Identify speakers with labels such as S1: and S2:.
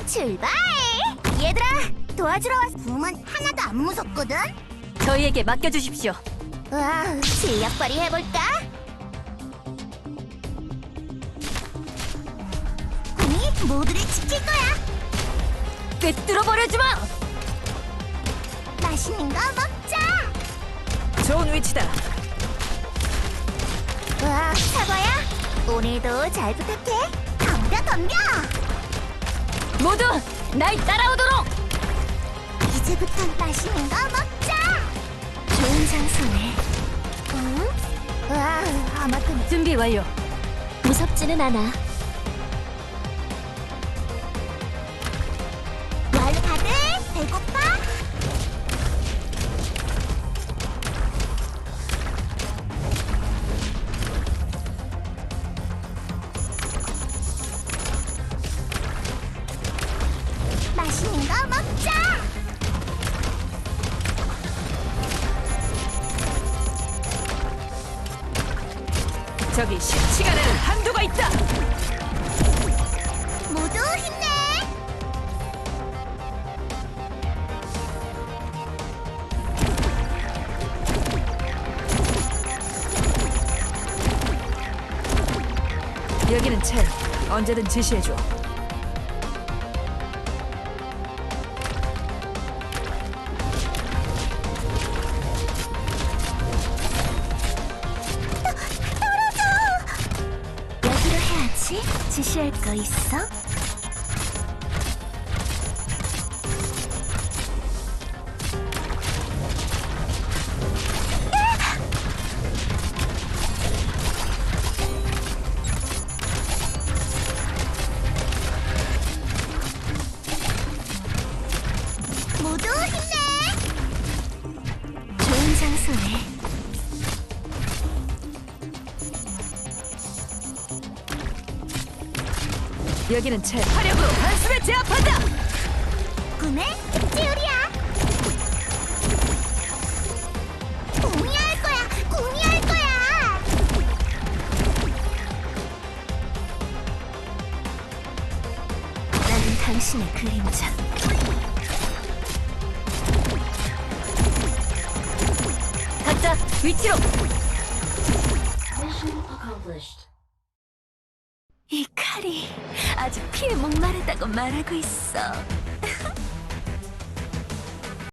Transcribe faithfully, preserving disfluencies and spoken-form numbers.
S1: 출발! 얘들아, 도와주러 왔어. 붐은 하나도 안 무섭거든?
S2: 저희에게 맡겨주십시오.
S1: 와, 실력 발휘해볼까? 붐이 모두를 지킬 거야.
S2: 꿰뚫어버려주마!
S1: 맛있는 거 먹자.
S2: 좋은 위치다.
S1: 와, 사과야? 오늘도 잘 부탁해. 덤벼, 덤벼!
S2: 모두 날 따라오도록!
S1: 이제부턴 맛있는 거 먹자. 좋은 장소네. 응? 와, 아마도
S2: 준비 완료.
S1: 무섭지는 않아. 월 다들 배고파? 맛있는 거 먹자.
S2: 저기 시간에는 한도가 있다.
S1: 모두 힘내.
S2: 여기는 첼. 언제든 지시해줘.
S1: 여기로 해야지. 지시할 거 있어? 모두 힘내. 좋은 장소네.
S2: 여기는 첼. 화력으로 한숨에 제압한다.
S1: 꿈의 찌우리야. 공이 할 거야. 공이 할 거야. 나는 당신의 그림자.
S2: 각자 위치로.
S1: 이 칼이 아주 피에 목마르다고 말하고 있어.